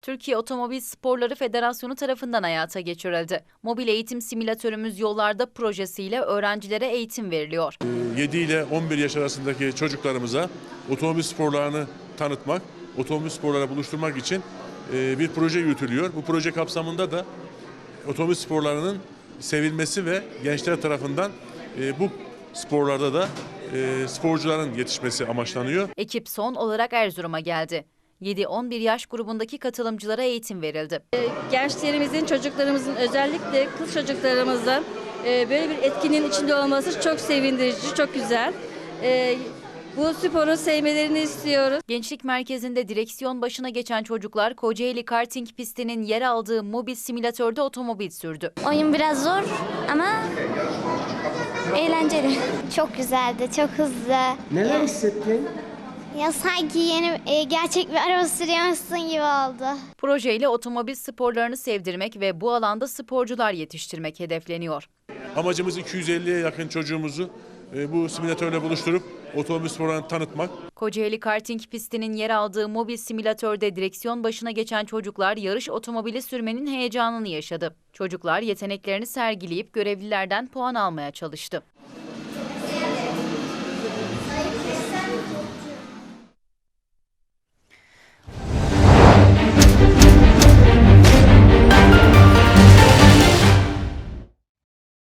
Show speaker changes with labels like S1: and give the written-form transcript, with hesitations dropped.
S1: Türkiye Otomobil Sporları Federasyonu tarafından hayata geçirildi. Mobil eğitim simülatörümüz yollarda projesiyle öğrencilere eğitim veriliyor.
S2: 7 ile 11 yaş arasındaki çocuklarımıza otomobil sporlarını tanıtmak, otomobil sporlarına buluşturmak için bir proje yürütülüyor. Bu proje kapsamında da otomobil sporlarının sevilmesi ve gençler tarafından bu sporlarda da sporcuların yetişmesi amaçlanıyor.
S1: Ekip son olarak Erzurum'a geldi. 7-11 yaş grubundaki katılımcılara eğitim verildi.
S3: Gençlerimizin, çocuklarımızın, özellikle kız çocuklarımızın böyle bir etkinin içinde olması çok sevindirici, çok güzel. Bu sporu sevmelerini istiyoruz.
S1: Gençlik merkezinde direksiyon başına geçen çocuklar Kocaeli karting pistinin yer aldığı mobil simülatörde otomobil sürdü.
S4: Oyun biraz zor ama eğlenceli.
S5: Çok güzeldi, çok hızlı.
S6: Neler hissettin?
S5: Ya sanki yeni gerçek bir araba sürüyormuşsun gibi oldu.
S1: Projeyle otomobil sporlarını sevdirmek ve bu alanda sporcular yetiştirmek hedefleniyor.
S2: Amacımız 250'ye yakın çocuğumuzu bu simülatörle buluşturup otomobil sporlarını tanıtmak.
S1: Kocaeli karting pistinin yer aldığı mobil simülatörde direksiyon başına geçen çocuklar yarış otomobili sürmenin heyecanını yaşadı. Çocuklar yeteneklerini sergileyip görevlilerden puan almaya çalıştı.